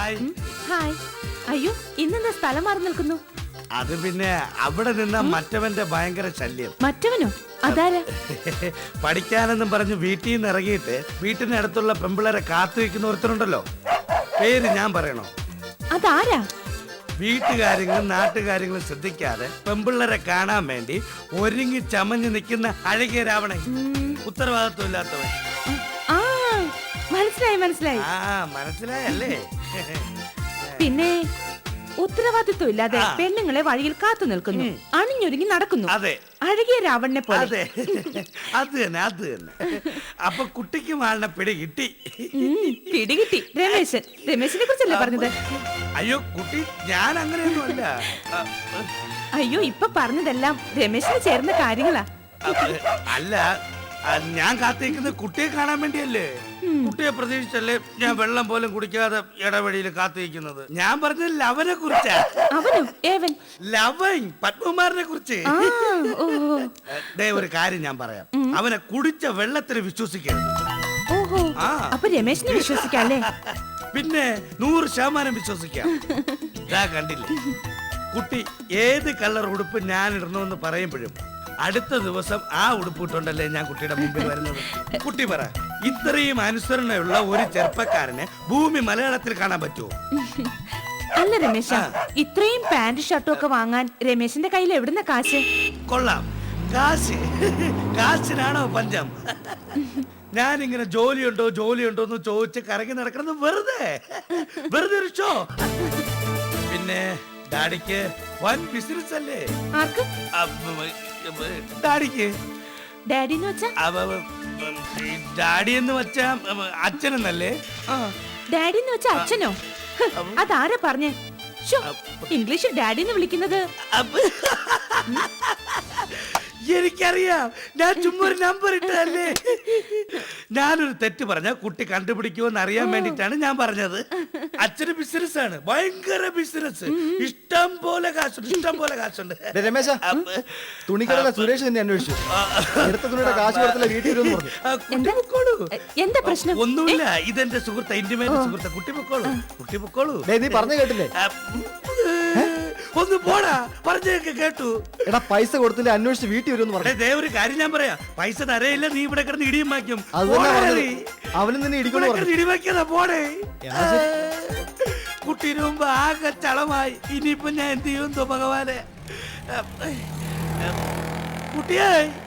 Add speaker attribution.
Speaker 1: Hi.
Speaker 2: Hi. അയ്യോ, ഇന്നെന്താ സ്ഥലം മാറി നിൽക്കുന്നു?
Speaker 1: അത് പിന്നെ അവിടെ നിന്ന മറ്റവന്റെ ഭയങ്കര ശല്യം.
Speaker 2: മറ്റവനോ? അതാരാ?
Speaker 1: പഠിക്കാനെന്നും പറഞ്ഞ് വീട്ടിൽ നിന്ന് ഇറങ്ങിയിട്ട് വീട്ടിനടുത്തുള്ള പെമ്പിളരെ കാത്തു വെക്കുന്ന ഒരുത്തരുണ്ടല്ലോ, പേര് ഞാൻ പറയണോ?
Speaker 2: അതാരാ?
Speaker 1: വീട്ടുകാര്യങ്ങളും നാട്ടുകാര്യങ്ങളും ശ്രദ്ധിക്കാതെ പെമ്പിള്ളരെ കാണാൻ വേണ്ടി ഒരുങ്ങി ചമഞ്ഞു നിൽക്കുന്ന അഴകിയ രാവണൻ, ഉത്തരവാദിത്വം ഇല്ലാത്തവൻ.
Speaker 2: ആ, മനസ്സിലായി മനസ്സിലായി.
Speaker 1: ആ, മനസ്സിലായല്ലേ?
Speaker 2: പിന്നെ ഉത്തരവാദിത്വം ഇല്ലാതെ പെണ്ണുങ്ങളെ വഴിയിൽ കാത്തു നിൽക്കുന്നു, അണിഞ്ഞൊരുങ്ങി നടക്കുന്നു.
Speaker 1: അതെ,
Speaker 2: അഴകിയ രാവണനെ പോലെ.
Speaker 1: അതെ, അത് തന്നെ, അത് തന്നെ. അപ്പൊ കുട്ടിക്ക് മാളിനെ പിടി കിട്ടി.
Speaker 2: പിടികിട്ടി. രമേശിനെ കുറിച്ചല്ലേ പറഞ്ഞത്?
Speaker 1: അയ്യോ കുട്ടി, ഞാൻ അങ്ങനെയൊന്നും അല്ല.
Speaker 2: അയ്യോ, ഇപ്പൊ പറഞ്ഞതെല്ലാം രമേശിന് ചേർന്ന കാര്യങ്ങളാ.
Speaker 1: അല്ല, ഞാൻ കാത്തിരിക്കുന്നത് കുട്ടിയെ കാണാൻ വേണ്ടിയല്ലേ. കുട്ടിയെ പ്രതീക്ഷിച്ചല്ലേ ഞാൻ വെള്ളം പോലും കുടിക്കാതെ ഇടവഴിയിൽ കാത്തിരിക്കുന്നത്. ഞാൻ പറഞ്ഞത് ലവനെ കുറിച്ചാ.
Speaker 2: അവനോ? ഏവൻ?
Speaker 1: ലവൻ, പത്മകുമാറിനെ കുറിച്ച്. ഒരു കാര്യം ഞാൻ പറയാം, അവനെ കുടിച്ച വെള്ളത്തിന് വിശ്വസിക്കരുത്.
Speaker 2: ഓഹോ, അപ്പൊ രമേശിനെ വിശ്വസിക്കാല്ലേ?
Speaker 1: പിന്നെ 100% വിശ്വസിക്കാം. കണ്ടില്ലേ, കുട്ടി ഏത് കളർ ഉടുപ്പ് ഞാൻ ഇടണമെന്ന് പറയുമ്പോഴും അടുത്ത ദിവസം ആ ഉടുപ്പ് ഇട്ടുണ്ടല്ലേ ഞാൻ കുട്ടിയുടെ മുമ്പിൽ വരുന്നത്. കുട്ടി പറ, ഇത്രയും അനുസരണയുള്ള ഒരു ചെറുപ്പക്കാരനെ ഭൂമി മലയാളത്തിൽ കാണാൻ പറ്റുമോ?
Speaker 2: അല്ല രമേശ, ഇത്രയും പാന്റ് ഷർട്ടും ഒക്കെ വാങ്ങാൻ രമേശിന്റെ കയ്യിൽ എവിടുന്ന കാശ്?
Speaker 1: കൊള്ളാം, കാശിനാണോ പഞ്ചം? ഞാനിങ്ങനെ ജോലിയുണ്ടോ എന്ന് ചോദിച്ച് കറങ്ങി നടക്കുന്നത് വെറുതെ ഒരു ഷോ. പിന്നെ ഡാഡിക്ക് വൻ ബിസിനസ് അല്ലേ?
Speaker 2: ആർക്ക്?
Speaker 1: ഡാഡിക്ക്.
Speaker 2: ഡാഡി എന്ന് വെച്ചാ?
Speaker 1: ഡാഡി എന്ന് വെച്ചാ അച്ഛനെന്നല്ലേ?
Speaker 2: ഡാഡി എന്ന് വെച്ചാ അച്ഛനോ? അതാരാ പറഞ്ഞേ? ഇംഗ്ലീഷിൽ ഡാഡി എന്ന് വിളിക്കുന്നത്?
Speaker 1: എനിക്കറിയാം, ഞാൻ ചുമ്മാ ഒരു നമ്പർ ഇട്ടതല്ലേ. ഞാനൊരു തെറ്റ് പറഞ്ഞ കുട്ടി കണ്ടുപിടിക്കുമെന്ന് അറിയാൻ വേണ്ടിട്ടാണ് ഞാൻ പറഞ്ഞത്. അച്ഛന് ബിസിനസ് ആണ്, ഭയങ്കര ബിസിനസ്. ഇഷ്ടം പോലെ കാശുണ്ട്.
Speaker 3: രമേശ, തുണിക്കടയിലെ സുരേഷ് തന്നെ അന്വേഷിച്ചു. എടുത്ത തുണിയുടെ കാശ് കൊടുത്തില്ല, വീട്ടിൽ വരുമെന്ന് പറഞ്ഞു.
Speaker 2: എന്താ പ്രശ്നം?
Speaker 1: ഒന്നുമില്ല, ഇതെന്റെ സുഹൃത്ത്, ഇന്റിമേറ്റ് സുഹൃത്ത്. കുട്ടി പൊക്കോളൂ.
Speaker 3: നീ പറഞ്ഞു കേട്ടില്ലേ?
Speaker 1: ഒന്ന് പോടാ, പറഞ്ഞൊക്കെ കേട്ടു.
Speaker 3: എടാ, പൈസ കൊടുത്തില്ല, അന്വേഷിച്ച് വീട്ടിൽ വരുമെന്ന് പറഞ്ഞു.
Speaker 1: ഒരു കാര്യം ഞാൻ പറയാം, പൈസ തരയില്ല, നീ ഇവിടെ കിടന്ന് ഇടിയും വാക്കും.
Speaker 3: അവനും തന്നെ
Speaker 1: ഇടിവാക്കിയതാ. പോടേ. കുട്ടീന് മുമ്പ് ആകെ ചളമായി. ഇനിയിപ്പൊ ഞാൻ എന്ത് ചെയ്യും ഭഗവാനെ? കുട്ടിയായി